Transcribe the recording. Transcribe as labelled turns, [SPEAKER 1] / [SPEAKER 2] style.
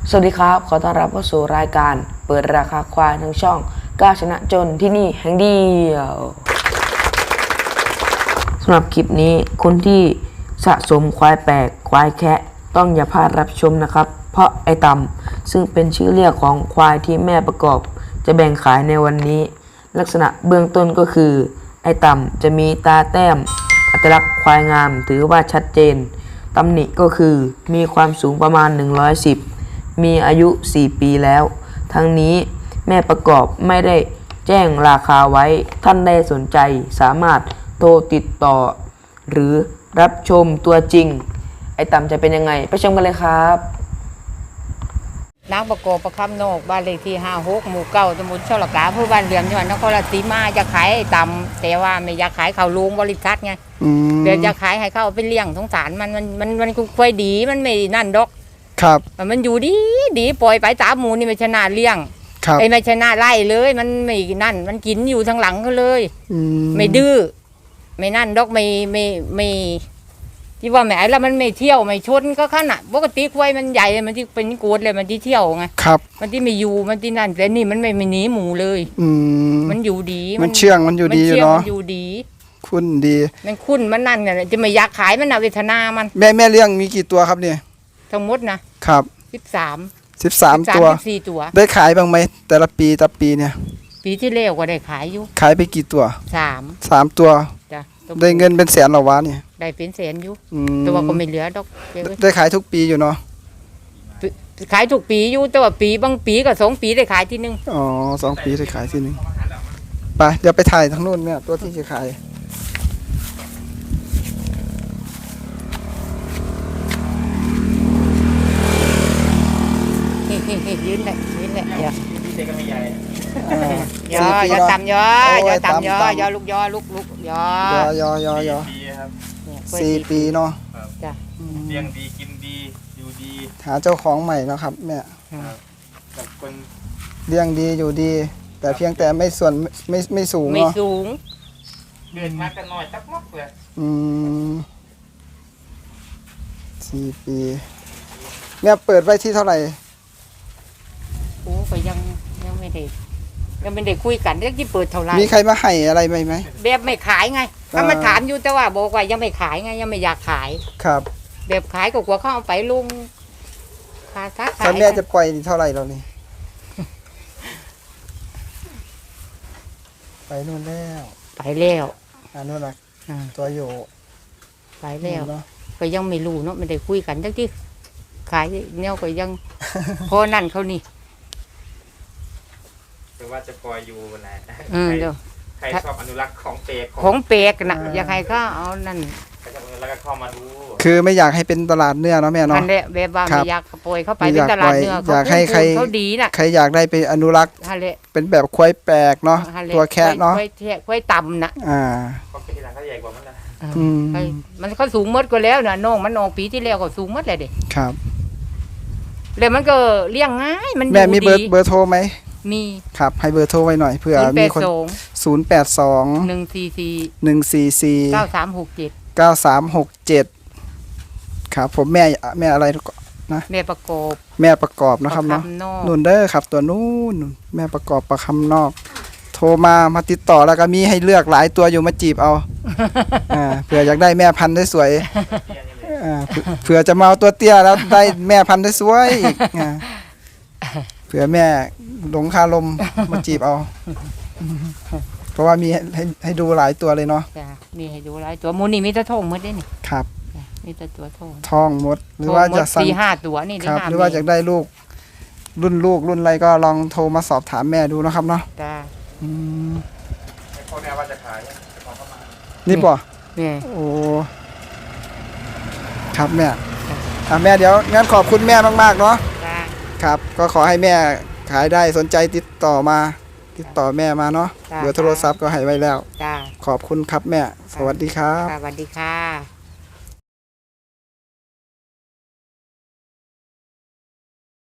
[SPEAKER 1] สวัสดีครับขอต้อนรับเข้าสู่รายการเปิดราคาควายทั้งช่องกล้าชนะจนที่นี่แห่งเดียวสำหรับคลิปนี้คนที่สะสมควายแปลกควายแคะต้องอย่าพลาดรับชมนะครับเพราะไอต่ำซึ่งเป็นชื่อเรียกของควายที่แม่ประกอบจะแบ่งขายในวันนี้ลักษณะเบื้องต้นก็คือไอต่ำจะมีตาแต้มอัตลักษณ์ควายงามถือว่าชัดเจนตำหนิก็คือมีความสูงประมาณ110มีอายุ4ปีแล้วทั้งนี้แม่ประกอบไม่ได้แจ้งราคาไว้ท่านได้สนใจสามารถโทรติดต่อหรือรับชมตัวจริงไอต่ำจะเป็นยังไงไปชมกันเลยครับ
[SPEAKER 2] นางประกอบประคำโนกบ้านเลขที่56หมู่9ตำบลช่อละกาอำเภอบ้านเหลื่อมจังหวัดนครราชสีมาจะขายไอ้ต่ำแต่ว่าไม่อยากขายเขาลุงบริษัทไงเดี๋ยวจะขายให้เขาเอาไปเลี้ยงสงสารมันค่อยดีมันไม่นั่นดอก
[SPEAKER 3] ครับ
[SPEAKER 2] มันอยู่ดีปล่อยไปตามหมูนี่ไม่ชนะเลี้ยง
[SPEAKER 3] ครับ
[SPEAKER 2] ไอ้ไม่ชนะไล่เลยมันไม่นั่นมันกินอยู่ทางหลังเขาเลยไม่ดื้อไม่นั่นดอกไม่ที่ว่าแหมแล้วมันไม่เที่ยวไม่ชนก็ขนาดปกติควายมันใหญ่มันที่เป็นโกดเลยมันที่เที่ยวไง
[SPEAKER 3] ครับ
[SPEAKER 2] มันที่ไม่อยู่มันที่นั่นแต่นี่มันไม่หนีหมูเลยมันอยู่ดี
[SPEAKER 3] มันเชื่องมันอยู่ดีเนาะ
[SPEAKER 2] มันอยู่ดี
[SPEAKER 3] คุ้นดี
[SPEAKER 2] มันคุ้นมันนั่นเนี่ยจะไม่อยากขายมันเอาเวทนามัน
[SPEAKER 3] แม่เลี้ยงมีกี่ตัวครับเนี่ย
[SPEAKER 2] ทั้งหมดนะครับ13
[SPEAKER 3] ตัว
[SPEAKER 2] 14ตัว
[SPEAKER 3] ได้ขายบ้างไหมแต่ละปีเนี่ย
[SPEAKER 2] ปีที่แล้วก็ได้ขายอยู่
[SPEAKER 3] ขายไปกี่ตัว3ตัว
[SPEAKER 2] จ้ะ
[SPEAKER 3] ได้เงินเป็นแสนหรอวะเนี่ย
[SPEAKER 2] ได้เป็นแสนอยู่ตัวก็ไม่เหลือดอก
[SPEAKER 3] ได้ขายทุกปีอยู่เนาะ
[SPEAKER 2] ขายทุกปีอยู่แต่ว่าปีบางปีก็2 ปีได้ขายทีนึง
[SPEAKER 3] อ๋อ2 ปีได้ขายทีนึงไปเดี๋ยวไปถ่ายทางนู้นเนี่ยตัวที่จะขาย
[SPEAKER 2] ยืนเลยอย่าต่ำย่อลูกย่อลูกย่อ
[SPEAKER 3] 4 ปีเนาะ
[SPEAKER 4] เลี้ยงดีกินดีอยู่ดี
[SPEAKER 3] หาเจ้าของใหม่แล้วครับแม่
[SPEAKER 4] กับคน
[SPEAKER 3] เลี้ยงดีอยู่ดีแต่เพียงแต่ไม่สูง
[SPEAKER 2] ไม่สูง
[SPEAKER 4] เดินมากันหน่อยจักมกเลย
[SPEAKER 3] 4 ปีแม่เปิดไว้ที่เท่าไหร่
[SPEAKER 2] โอ้ก็ยังไม่ได้คุยกันเรื่องที่เปิดเท่าไหร่
[SPEAKER 3] มีใครมาให้อะไรไหม
[SPEAKER 2] แบบไม่ขายไงถ้ามาถามอยู่แต่ว่าบอกว่ายังไม่ขายไงยังไม่อยากขาย
[SPEAKER 3] ครับ
[SPEAKER 2] แบบขายก็กลัวเขาเอาไปลงค่าซัก
[SPEAKER 3] ขายแม่จะปล่อยเท่าไหร่เรานี่ไปนู่นแล้วนู่นนะตัวอยู่
[SPEAKER 2] ไปแล้วก็ยังไม่รู้เนาะไม่ได้คุยกันทั้งที่ขายเนี่ยก็ยังพอนั่นเขานี่
[SPEAKER 4] แต่ว่าจะปล่อยอยู่แหละใครชอบอนุรักษ์ของเปก
[SPEAKER 2] นะอยากให้เขาเอานั่น
[SPEAKER 4] แล้วก็เข้ามาดู
[SPEAKER 3] คือไม่อยากให้เป็นตลาดเนื้อเนาะแม่เนาะ
[SPEAKER 2] อันนี้แบบว่าไม่อยากปล่อยเข้าไปเป็นตลาดเนื้อ
[SPEAKER 3] อยากให้ใครอยากได้ไปอนุรักษ์เป็นแบบควายแปลกเนาะตัวแค่เนาะ
[SPEAKER 2] ควายต่ำนะ
[SPEAKER 4] เขาเป็นที่ร้านเขาใหญ่กว่ามันนะ
[SPEAKER 2] มันเขาสูงมดก็แล้วนะน้องมันออกปีที่แล้วก็สูงมดเลยเด็ก
[SPEAKER 3] ครับ
[SPEAKER 2] แล้วมันก็เลี้ยงง่ายมัน
[SPEAKER 3] แม่มีเบอร์โทรไหม
[SPEAKER 2] มี
[SPEAKER 3] ครับให้เบอร์โทรไว้หน่อยเผื่อมีคน082 144 9367ครับผมแม่อะไรนะ
[SPEAKER 2] แม่ประกอบ
[SPEAKER 3] นะครับเนาะนุ่นเด้อครับตัวนู้นแม่ประกอบประคำนอกโทรมาติดต่อแล้วก็มีให้เลือกหลายตัวอยู่มาจีบเอาเผื่ออยากได้แม่พันธุ์ได้สวยเผื่อจะมาเอาตัวเตี้ยแล้วได้แม่พันธุ์ได้สวยอีกเผื่อแม่หลงคาลมมาจีบเอาเพราะว่ามีให้ดูหลายตัวเลยเนาะ
[SPEAKER 2] มีให้ดูหลายตัวมูนี่มีแต่ท้องหมดได้นี่
[SPEAKER 3] ครับ
[SPEAKER 2] มีแต่ตัว
[SPEAKER 3] ท้องหมดหรือว่าจะ
[SPEAKER 2] สั่ง4-5 ตัวนี่
[SPEAKER 3] ครับหรือว่าอยากได้ลูกรุ่นอะไรก็ลองโทรมาสอบถามแม่ดูนะครับเนาะ
[SPEAKER 2] จ้า
[SPEAKER 4] พ่อแม่ว่าจะขาย
[SPEAKER 3] นี่ป่ะโอ้ครับแม่แม่เดี๋ยวงั้นขอบคุณแม่มากๆเนาะครับก็ขอให้แม่ขายได้สนใจติดต่อแม่มาเนาะเบอร์โทรศัพท์ก็ให้ไว้แล้วขอบคุณครับแม่สวัสดีครับ
[SPEAKER 2] สวัสดีค่ะ